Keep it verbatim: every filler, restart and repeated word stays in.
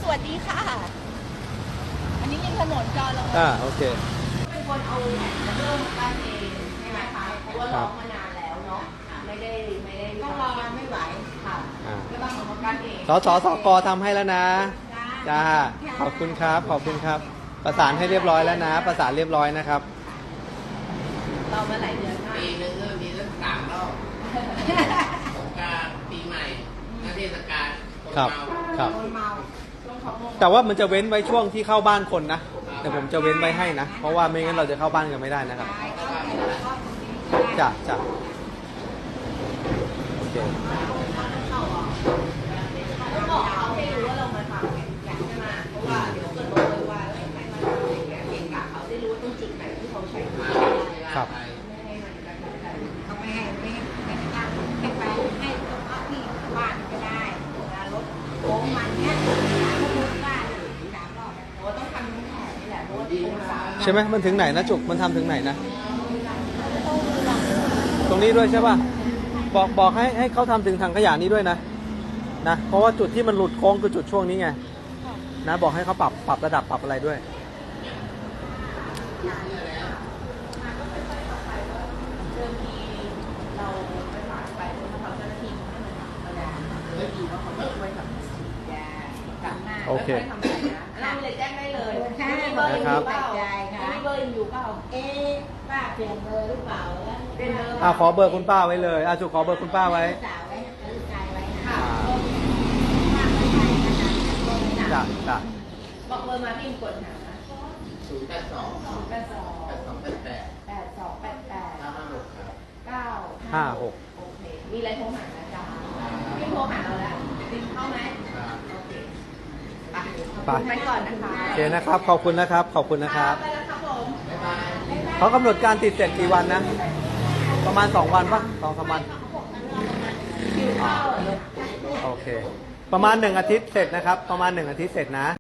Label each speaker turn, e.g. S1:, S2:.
S1: วัสดีค่ะอันนี้ยิงถนนจอเรา
S2: อ่าโอเค
S1: เป็นคนเอาเรื่องบ้านเองใช่ไหมคะเพราะว่าร้องมานานแล้วเนาะไม่ได้ไม่ได้ต้องรอไม่ไหวค่ะก็ต้องของบ้านเอง
S2: สสสกทำให้แล้วนะจ้าขอบคุณครับขอบคุณครับประสานให้เรียบร้อยแล้วนะประสานเรียบร้อยนะครับ
S1: เรามาหลายเดือนมาก
S3: ปีนึงก็มีตั้งสามรอบสงกรานต์ปีใหม่และเทศกาลคนเมา
S2: ครับ
S1: คนเมา
S2: แต่ว่ามันจะเว้นไว้ช่วงที่เข้าบ้านคนนะแต่ผมจะเว้นไว้ให้นะเพราะว่าไม่งั้นเราจะเข้าบ้านกันไม่ได้นะครับจ้ะจ้ะโอเค
S1: ต้องบอกเขาให้รู้ว่าเรามาทำไงใช่ไหมเพราะว่าเดี๋ยวเกิดบอกเลยว่าให้มาทำอย่างเงี้ยเก่งกะเขาได้รู้ว่าตรงจุดไหนที่เขาใช้มา
S2: ครับ
S1: ไม่ให้มันกระทบกันเขาไม่ให้ไม่ให้ไม่ให้ตั้งให้ไปให้ตรงพักที่บ้านก็ได้รถโค้งมันเนี้ยเขาพูดว่าสามรอบโอ้ต้องทำทั้งแถบนี่แหละรถโค้งสาม
S2: ใช่ไหมมันถึงไหนนะจุกมันทำถึงไหนนะตรงนี้ด้วยใช่ป่ะบอกบอกให้ให้เขาทำถึงถังขยะนี้ด้วยนะนะเพราะว่าจุดที่มันหลุดโค้งคือจุดช่วงนี้ไงนะบอกให้เขาปรับปรับระดับปรับอะไรด้วย
S1: เริ่มทีเราไปฝากไปเขาเจ้าหน้าที่ให้มันทำกระดาษเลยดีว่าเขาไม่ช่วยทำยาจับหน้าไม่ค่อยทำอะไรนะเราเลยแจ้งได้เลยใช่เบอร์อยู่เปล่ามีเบอร์อยู่เปล่าเอ๊ะป้าเปลี่ยนเบอร์หรือเปล่าเป็นเบอร์
S2: อ่าขอเบอร์คุณป้าไว้เลยอ่าจุกขอเบอร์คุณป้าไว้จ้ะจ้ะ
S1: บอกเบอร์มาพี่กดหา
S3: ศูนย์แปดสอง
S1: แปดสอง
S3: แปดสองแปดแปด
S1: แปดสองแปดแปด
S3: เก้าห้าหกครับ
S1: เก้า
S2: ห้าหก
S1: โอเคมีอะไรโทรหานะจ๊ะพี่โทรหาเราแล้วติดเข้าไหมโอเคไปไปก่อนนะคะ
S2: โอเคนะครับขอบคุณนะครับขอบคุณนะครับ
S1: ไปแล้วครับผม
S2: เขากำหนดการติดเสร็จกี่วันนะประมาณสองวันปะสองสามวันโอเคประมาณหนึ่งอาทิตย์เสร็จนะครับประมาณหนึ่งอาทิตย์เสร็จนะ